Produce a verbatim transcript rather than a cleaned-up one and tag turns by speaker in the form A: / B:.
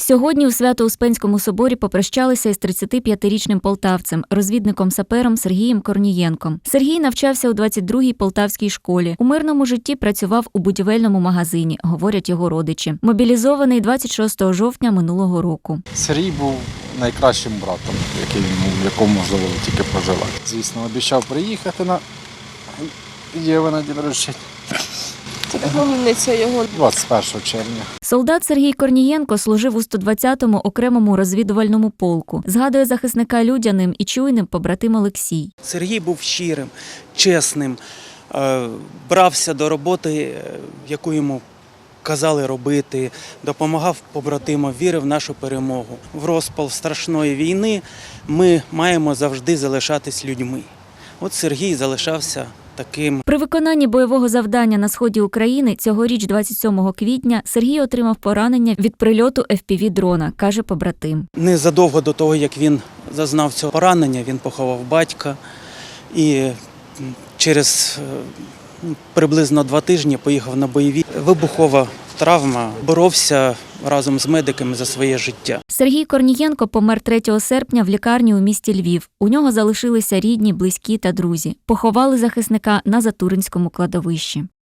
A: Сьогодні у Свято-Успенському соборі попрощалися із тридцятип'ятирічним полтавцем, розвідником-сапером Сергієм Корнієнком. Сергій навчався у двадцять другій полтавській школі. У мирному житті працював у будівельному магазині, говорять його родичі. Мобілізований двадцять шостого жовтня минулого року.
B: Сергій був найкращим братом, який, якому можливо тільки проживати. Звісно, обіцяв приїхати на Єва на день рождення.
C: Племінниця його.
B: двадцять першого червня.
A: Солдат Сергій Корнієнко служив у сто двадцятому окремому розвідувальному полку. Згадує захисника людяним і чуйним побратим Олексій.
D: Сергій був щирим, чесним, брався до роботи, яку йому казали робити, допомагав побратимам, вірив в нашу перемогу. В розпал страшної війни ми маємо завжди залишатись людьми. От Сергій залишався таким.
A: При виконанні бойового завдання на сході України цьогоріч, двадцять сьомого квітня, Сергій отримав поранення від прильоту еф пі ві-дрона, каже побратим.
D: Незадовго до того, як він зазнав цього поранення, він поховав батька і через приблизно два тижні поїхав на бойові. Вибухова травма, боровся разом з медиками за своє життя.
A: Сергій Корнієнко помер третього серпня в лікарні у місті Львів. У нього залишилися рідні, близькі та друзі. Поховали захисника на Затуринському кладовищі.